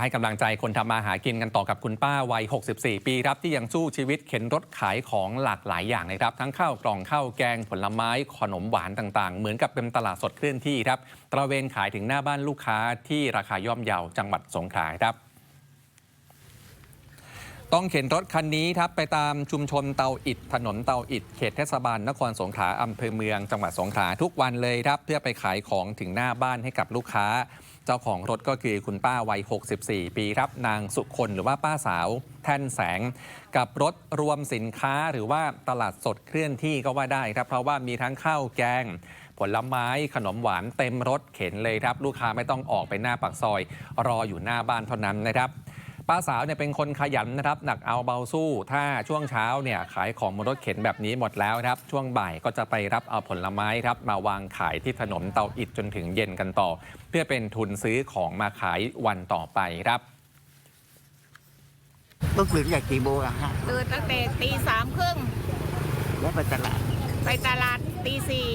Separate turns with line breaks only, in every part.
ให้กำลังใจคนทำมาหากินกันต่อกับคุณป้าวัย 64 ปีครับที่ยังสู้ชีวิตเข็นรถขายของหลากหลายอย่างเลยครับทั้งข้าวกล่องข้าวแกงผลไม้ขนมหวานต่างๆเหมือนกับเป็นตลาดสดเคลื่อนที่ครับตระเวนขายถึงหน้าบ้านลูกค้าที่ราคาย่อมเยาจังหวัดสงขลาครับต้องเข็นรถคันนี้ครับไปตามชุมชนเตาอิฐถนนเตาอิฐเขตเทศบาลนครสงขลาอำเภอเมืองจังหวัดสงขลาทุกวันเลยครับเพื่อไปขายของถึงหน้าบ้านให้กับลูกค้าเจ้าของรถก็คือคุณป้าวัย 64 ปีครับนางสุคนหรือว่าป้าสาวแท่นแสงกับรถรวมสินค้าหรือว่าตลาดสดเคลื่อนที่ก็ว่าได้ครับเพราะว่ามีทั้งข้าวแกงผลไม้ขนมหวานเต็มรถเข็นเลยครับลูกค้าไม่ต้องออกไปหน้าปากซอยรออยู่หน้าบ้านเท่านั้นนะครับป้าสาวเนี่ยเป็นคนขยันนะครับหนักเอาเบาสู้ถ้าช่วงเช้าเนี่ยขายของบนรถเข็นแบบนี้หมดแล้วครับช่วงบ่ายก็จะไปรับเอาผลไม้ครับมาวางขายที่ถนนเตาอิฐจนถึงเย็นกันต่อเพื่อเป็นทุนซื้อของมาขายวันต่อไปครับ
ต้องตื่นจากกี่โมงอะฮะ
ตื่นตั้งแต่3:30
แล้วไปตลาด
ตี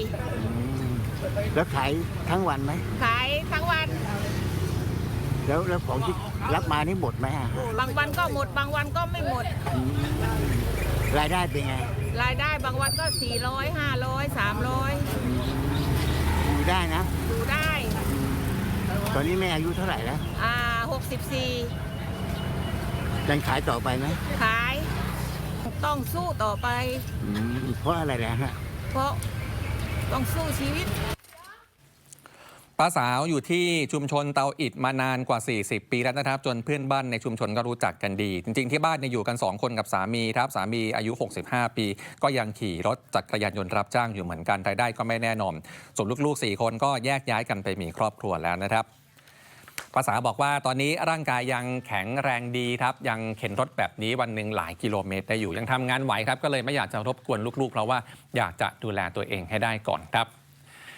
4
แล้วขายทั้งวันไหม
ขายทั้งวัน
แล้วของที่รับมานี่หมดไหมฮะ
บางวันก็หมดบางวันก็ไม่หมด
รายได้เป็นไง
รายได้บางวันก็400 500 300
อยู่ได้นะ
อยู่ได้
ตอนนี้แม่อายุเท่าไหร่แล้ว
64
ยังขายต่อไปไหม
ขายต้องสู้ต่อไป
เพราะอะไรนะฮะ
เพราะต้องสู้ชีวิต
ป้าสาวอยู่ที่ชุมชนเตาอิฐมานานกว่า40 ปีแล้วนะครับจนเพื่อนบ้านในชุมชนก็รู้จักกันดีจริงๆที่บ้านอยู่กัน2 คนกับสามีครับสามีอายุ65 ปีก็ยังขี่รถจักรยานยนต์รับจ้างอยู่เหมือนกันรายได้ก็ไม่แน่นอนส่วนลูกๆ4 คนก็แยกย้ายกันไปมีครอบครัวแล้วนะครับป้าสาวบอกว่าตอนนี้ร่างกายยังแข็งแรงดีครับยังเข็นรถแบบนี้วันหนึ่งหลายกิโลเมตรได้อยู่ยังทำงานไหวครับก็เลยไม่อยากจะรบกวนลูกๆเพราะว่าอยากจะดูแลตัวเองให้ได้ก่อนครับ